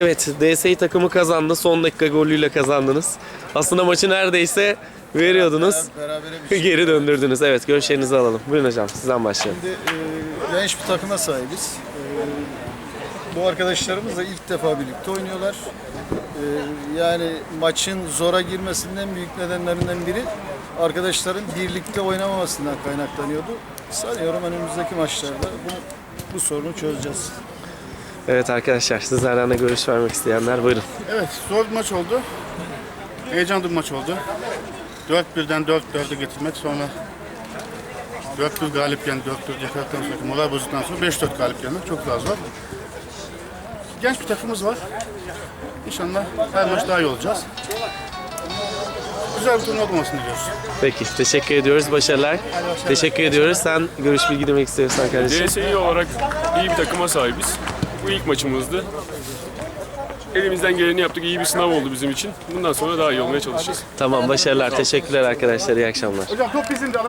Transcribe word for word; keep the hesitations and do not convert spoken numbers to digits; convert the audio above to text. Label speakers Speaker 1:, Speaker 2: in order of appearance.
Speaker 1: Evet, D S İ takımı kazandı. Son dakika golüyle kazandınız. Aslında maçı neredeyse veriyordunuz.
Speaker 2: Berabere bir şey.
Speaker 1: Geri döndürdünüz. Evet, görüşlerinizi alalım. Buyurun hocam, sizden başlayalım.
Speaker 2: Şimdi e, genç bir takıma sahibiz. E, bu arkadaşlarımızla ilk defa birlikte oynuyorlar. E, yani maçın zora girmesinden büyük nedenlerinden biri arkadaşların birlikte oynamamasından kaynaklanıyordu. Sanıyorum önümüzdeki maçlarda bu, bu sorunu çözeceğiz.
Speaker 1: Evet arkadaşlar, sizlerden de görüş vermek isteyenler buyurun.
Speaker 3: Evet, zor bir maç oldu. Heyecanlı bir maç oldu. dört birden dört dörde getirmek, sonra dört bir galipken, dört dört yakalıktan sonra, moral bozduktan sonra beş dört galip gelmek çok daha zor. Genç bir takımımız var. İnşallah her maç daha iyi olacağız. Güzel bir turnuva olmasını diliyoruz.
Speaker 1: Peki, teşekkür ediyoruz. Başarılar. Teşekkür ediyoruz. Sen görüş bilgi demek istiyorsan kardeşim.
Speaker 4: D S İ olarak iyi bir takıma sahibiz. Bu ilk maçımızdı. Elimizden geleni yaptık. İyi bir sınav oldu bizim için. Bundan sonra daha iyi olmaya çalışacağız.
Speaker 1: Tamam, başarılar. Teşekkürler arkadaşlar. İyi akşamlar.
Speaker 3: Hocam top bizim de